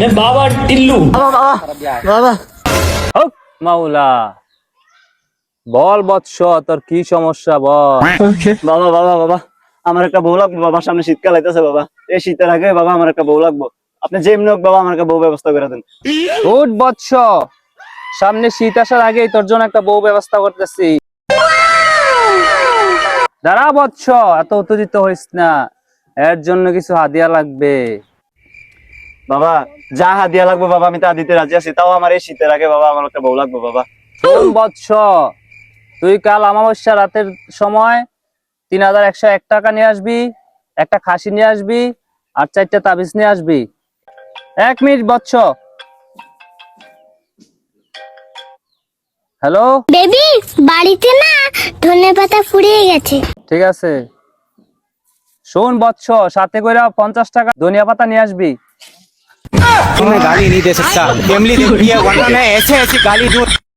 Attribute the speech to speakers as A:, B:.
A: मैं बाबा टिल्लू।
B: হক মাওলা, বল বৎস, তোর কি সমস্যা বল।
C: বাবা বাবা বাবা আমার একটা বউ লাগবে বাবা, সামনে শীতকাল আইতেছে বাবা, এই শীতের আগে বাবা আমার একটা বউ লাগবে। আপনি যেমনি হোক বাবা আমার একটা বউ ব্যবস্থা করে দেন।
B: উঠ বৎস, সামনে শীত আসার আগেই তোর জন্য একটা বউ ব্যবস্থা করতেছি। দাঁড়া বৎস, এত উত্তেজিত হইস না, এর জন্য কিছু হাদিয়া লাগবে।
C: বাবা যা হাদিয়া লাগবে বাবা আমি তা দিতে রাজি আছি, তাও আমার এই শীতের আগে বাবা আমার একটা বউ লাগবে বাবা।
B: শোন বৎস, তুই কাল অমাবস্যা রাতের সময় 3101 টাকা নিয়ে আসবি, একটা খাসি নিয়ে আসবি, আর 4টা তাবিজ নিয়ে আসবি। 1 মিনিট বৎস। হ্যালো,
D: বেবি বাড়িতে না ধনেপাতা ফুরিয়ে গেছে।
B: ঠিক আছে। শোন বৎস, সাথে করে 50 টাকা ধনিয়া পাতা নিয়ে আসবি।
E: मैं गाली नहीं दे सकता। फैमिली देखती है वरना मैं ऐसे ऐसी गाली दूं।